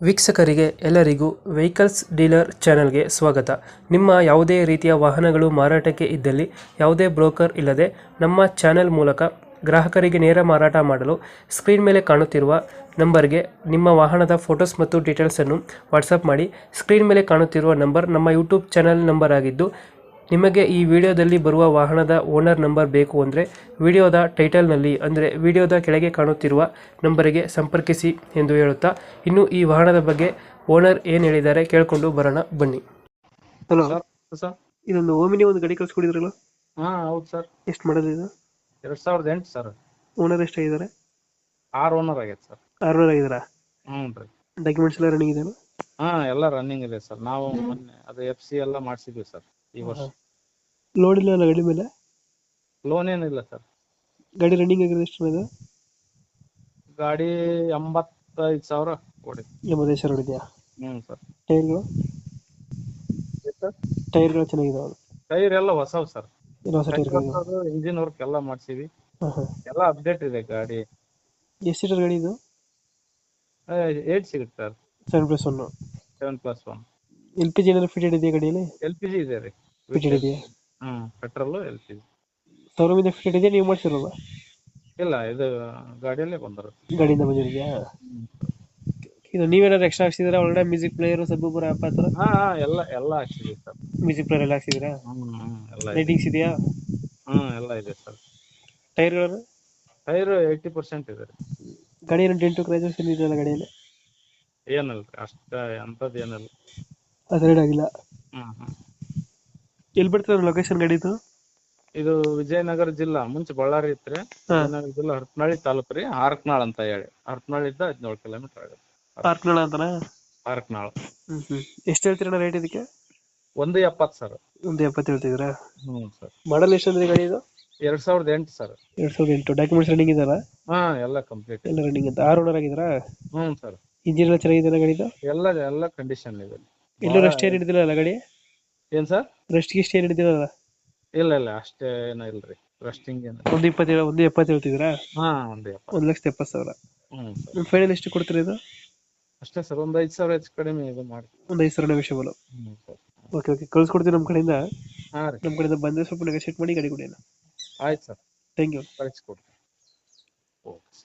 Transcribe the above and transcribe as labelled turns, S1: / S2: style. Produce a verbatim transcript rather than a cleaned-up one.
S1: ವೀಕ್ಷಕರಿಗೆ ಎಲ್ಲರಿಗೂ vehicles dealer ಚಾನೆಲ್ಗೆ ಸ್ವಾಗತ. ನಿಮ್ಮ ಯಾವುದೇ ರೀತಿಯ ವಾಹನಗಳು ಮಾರಾಟಕ್ಕೆ ಇದ್ದಲ್ಲಿ ಯಾವುದೇ ಬ್ರೋಕರ್ ಇಲ್ಲದೆ ನಮ್ಮ ಚಾನೆಲ್ ಮೂಲಕ ಗ್ರಾಹಕರಿಗೆ ನೇರ ಮಾರಾಟ ಮಾಡಲು ಸ್ಕ್ರೀನ್ ಮೇಲೆ ಕಾಣುತ್ತಿರುವ ನಂಬರ್ಗೆ ನಿಮ್ಮ ವಾಹನದ ಫೋಟೋಸ್ ಮತ್ತು ಡೀಟೇಲ್ಸನ್ನು ವಾಟ್ಸಪ್ ಮಾಡಿ. ಸ್ಕ್ರೀನ್ ಮೇಲೆ ಕಾಣುತ್ತಿರುವ ನಂಬರ್ ನಮ್ಮ ಯೂಟ್ಯೂಬ್ ಚಾನೆಲ್ ನಂಬರ್ ಆಗಿದ್ದು, ನಿಮಗೆ ಈ ವಿಡಿಯೋದಲ್ಲಿ ಬರುವ ವಾಹನದ ಓನರ್ ನಂಬರ್ ಬೇಕು ಅಂದರೆ ವಿಡಿಯೋದ ಟೈಟಲ್ನಲ್ಲಿ ಅಂದರೆ ವಿಡಿಯೋದ ಕೆಳಗೆ ಕಾಣುತ್ತಿರುವ ನಂಬರಿಗೆ ಸಂಪರ್ಕಿಸಿ ಎಂದು ಹೇಳುತ್ತಾ, ಇನ್ನು ಈ ವಾಹನದ ಬಗ್ಗೆ ಓನರ್ ಏನು ಹೇಳಿದ್ದಾರೆ ಕೇಳಿಕೊಂಡು ಬರೋಣ ಬನ್ನಿ. ಹಲೋ
S2: ಸರ್ ಸರ್
S1: ಇದೊಂದು ಓಮಿನಿ ಒಂದು ಗಾಡಿ ಕಳ್ಸ್ಕೊಡಿದ್ರಲ್ಲ,
S2: ಹಾ ಹೌದು ಸರ್.
S1: ಎಷ್ಟು ಮಾಡೋದು ಇದು?
S2: ಎರಡ್ ಸಾವಿರದ ಎಂಟು ಸರ್.
S1: ಓನರ್ ಎಷ್ಟಾಗಿದ್ದಾರೆ?
S2: ಆರ್ ಓನರ್ ಆಗೈತೆ ಸರ್.
S1: ಆರುನೂರು ಆಗಿದ್ದಾರಾ?
S2: ಹ್ಞೂ ರೀ.
S1: ಡಾಕ್ಯುಮೆಂಟ್ಸ್ ಎಲ್ಲ ರನ್ನಿಂಗ್ ಇದೆಯಾ?
S2: ಹಾ ಎಲ್ಲ ರನ್ನಿಂಗ್ ಇದೆ ಸರ್. ನಾವು ಮೊನ್ನೆ ಅದು ಎಫ್ ಸಿ ಎಲ್ಲ ಮಾಡಿಸಿದ್ವಿ ಸರ್ ಈ ವರ್ಷ.
S1: ಲೋಡ್ ಇಲ್ಲ ಅಲ್ಲ ಗಾಡಿ ಮೇಲೆ?
S2: ಲೋನ್ ಏನಿಲ್ಲ ಸರ್.
S1: ಗಾಡಿ ರನ್ನಿಂಗ್ ಆಗಿರೋದು ಎಷ್ಟು ಇದೆ?
S2: ಗಾಡಿ ಎಂಬತ್ತೈದು ಸಾವಿರ ಕೊಡಿ.
S1: ಎಂಬತ್ತೈದು ಸಾವಿರ ಇದೆಯಾ?
S2: ಹ್ಞೂ ಸರ್.
S1: ಟೈರ್ಗಳು ಟೈರ್ಗಳು ಚೆನ್ನಾಗಿದಾವೆ?
S2: ಟೈರ್ ಎಲ್ಲ ಹೊಸವು ಸರ್.
S1: ಎಲ್ಲ ಹೊಸ ಟೈರ್ಗಳು?
S2: ಇಂಜಿನ್ ವರ್ಕ್ ಎಲ್ಲ ಮಾಡ್ಸಿವಿ.
S1: ಹಾಂ ಹಾಂ.
S2: ಎಲ್ಲ ಅಪ್ಡೇಟ್ ಇದೆ ಗಾಡಿ.
S1: ಎಷ್ಟು ಸೀಟರ್ ಗಾಡಿ ಇದು?
S2: ಏಟ್ ಸಿಗುತ್ತೆ ಸರ್.
S1: Seven plus one?
S2: Seven plus one.
S1: L P G ಏನಾದ್ರು ಫಿಟೆಡ್ ಇದೆಯಾ ಗಾಡಿಯಲ್ಲಿ?
S2: ಎಲ್ ಪಿ ಜಿ ಇದೆ ರೀ.
S1: ಫಿಟೆಡ್ ಇದೆಯಾ?
S2: ಹ್ಞೂ ಪೆಟ್ರೋಲು ಎಲ್ ಪಿ ಜಿ.
S1: ಶೋರೂಮಿಂದ ಫಿಟೆಡ್ ಇದೆಯಾ, ನೀವು ಮಾಡಿಸಿರೋಲ್ಲ?
S2: ಇಲ್ಲ ಇದು ಗಾಡಿಯಲ್ಲೇ ಬಂದರು.
S1: ಗಾಡಿಯಿಂದ ಬಂದಿದೆಯಾ? ಇದು ನೀವೇನಾದ್ರು ಎಕ್ಸ್ಟ್ರಾ ಹಾಕ್ಸಿದ್ದೀರಾ ಒಳಗಡೆ? ಮ್ಯೂಸಿಕ್ ಪ್ಲೇಯರ್, ಸಬ್ಬೂಪುರ ಆ ಥರ?
S2: ಹಾ ಹಾ ಎಲ್ಲ ಎಲ್ಲ ಹಾಕ್ಸಿದೀವಿ ಸರ್.
S1: ಮ್ಯೂಸಿಕ್ ಪ್ಲೇಯರ್ ಎಲ್ಲ ಹಾಕ್ಸಿದ್ದೀರಾ?
S2: ಹ್ಮ್ ಹ್ಮ್ ಎಲ್ಲ ಇದೆ.
S1: ಲೈಟಿಂಗ್ಸ್ ಇದೆಯಾ?
S2: ಹ್ಮ್ ಎಲ್ಲ ಇದೆ ಸರ್.
S1: ಟೈರ್ಗಳನ್ನು?
S2: ಟೈರ್ ಏಯ್ಟಿ ಪರ್ಸೆಂಟ್ ಇದೆ ರೀ.
S1: ಗಾಡಿ ಏನು ಡೆಂಟು ಕ್ರ್ಯಾಚಸ್ ಏನು ಇದೆಯಲ್ಲ ಗಾಡಿಯಲ್ಲಿ?
S2: ಏನಲ್ಲ ಅಷ್ಟ ಅಂಥದ್ದು ಏನಲ್ಲ.
S1: ಅದರೇನು ಆಗಿಲ್ಲ?
S2: ಹ್ಮ್ ಹ್ಮ್.
S1: ಎಲ್ಲಿ ಬರ್ತದೆ ಲೊಕೇಶನ್ ಗಾಡಿದು?
S2: ಇದು ವಿಜಯನಗರ ಜಿಲ್ಲಾ, ಮುಂಚೆ ಬಳ್ಳಾರಿ ಇತ್ರಿ. ವಿಜಯನಗರ ಜಿಲ್ಲಾ ಹರಪನಹಳ್ಳಿ ತಾಲೂಕು ರೀ. ಹಾರಕನಾಳ್ ಅಂತ ಹೇಳಿ. ಹರಪನಹಳ್ಳಿಯಿಂದ ಹದಿನೇಳು ಕಿಲೋಮೀಟರ್ ಆಗುತ್ತೆ.
S1: ಪಾರ್ಕ್ನಳ ಅಂತನಾ?
S2: ಹಾರಕನಾಳ್.
S1: ಹ್ಮ್ ಹ್ಮ್. ಎಷ್ಟು ಹೇಳ್ತೀರಣ್ಣ ರೇಟ್ ಇದಕ್ಕೆ?
S2: ಒಂದು ಎಪ್ಪತ್ತು ಸರ್.
S1: ಒಂದು ಎಪ್ಪತ್ತು ಹೇಳ್ತಿದ್ದೀರಾ?
S2: ಹ್ಮ್ ಸರ್.
S1: ಮಾಡಲ್ ಎಷ್ಟು ಅಂದ್ರೆ ಗಾಡಿ ಇದು?
S2: ಎರಡ್ ಸಾವಿರದ ಎಂಟು ಸರ್.
S1: ಎರಡ್ ಸಾವಿರದ ಎಂಟು. ಡಾಕ್ಯುಮೆಂಟ್ಸ್ ರನ್ನಿಂಗ್ ಇದೆಯಲ್ಲ?
S2: ಹಾ ಎಲ್ಲ ಕಂಪ್ಲೀಟ್
S1: ಎಲ್ಲ ರನ್ನಿಂಗ್ ಅಂತ. ಆರು ಓನರ್ ಆಗಿದ್ದೀರಾ?
S2: ಹ್ಮ್ ಸರ್.
S1: ಇಂಜಿನ್ ಎಲ್ಲ ಚೆನ್ನಾಗಿದೆ ಗಾಡಿದು?
S2: ಎಲ್ಲ ಎಲ್ಲ ಕಂಡೀಷನ್ ಇದೆ.
S1: ಎಲ್ಲೂ ರೆಸ್ಟ್ ಏನು ಹಿಡಿದಿಲ್ಲ ಗಾಡಿ?
S2: ಏನ್ ಸರ್?
S1: ರೆಸ್ಟ್ ಗಿಸ್ಟ್ ಏನು ಹಿಡಿದಿಲ್ಲ?
S2: ಇಲ್ಲ ಇಲ್ಲ ಅಷ್ಟೇ ಏನೋ ಇಲ್ರಿ. ರಸ್ಟಿಂಗ್ ಏನು.
S1: ಒಂದು ಇಪ್ಪತ್ತೇಳು ಒಂದು ಎಪ್ಪತ್ತು ಹೇಳ್ತಿದ್ದೀರಾ?
S2: ಹಾ ಒಂದು ಎಪ್ಪತ್ತು.
S1: ಒಂದು ಲಕ್ಷದ ಎಪ್ಪತ್ತು ಸಾವಿರ.
S2: ಹ್ಮ್ ಸರ್.
S1: ನಿಮ್ಮ ಫೈನಲ್ ಎಷ್ಟು ಕೊಡ್ತೀರಾ ಇದು?
S2: ಅಷ್ಟೇ ಸರ್. ಒಂದ್ ಐದು ಸಾವಿರ ಹೆಚ್ಚು ಕಡಿಮೆ ಇದು ಮಾಡಿ.
S1: ಒಂದು ಐದು ಸಾವಿರ ನೆಗೋಷಿಯಬಲ್?
S2: ಹ್ಮ್ ಸರ್.
S1: ಓಕೆ ಓಕೆ, ಕಳ್ಸ್ಕೊಡ್ತೀವಿ ನಮ್ಮ ಕಡೆಯಿಂದ.
S2: ಹಾ ರೀ.
S1: ನಮ್ಮ ಕಡೆಯಿಂದ ಬಂದರೆ ಸ್ವಲ್ಪ ನೆಗೋಷಿಯೇಟ್ ಮಾಡಿ ಗಾಡಿ ಕೊಡಿ.
S2: ಆಯ್ತು ಸರ್.
S1: Thank you.
S2: ಕಳಿಸ್ಕೊಡ್ತೀನಿ. ಓಕೆ.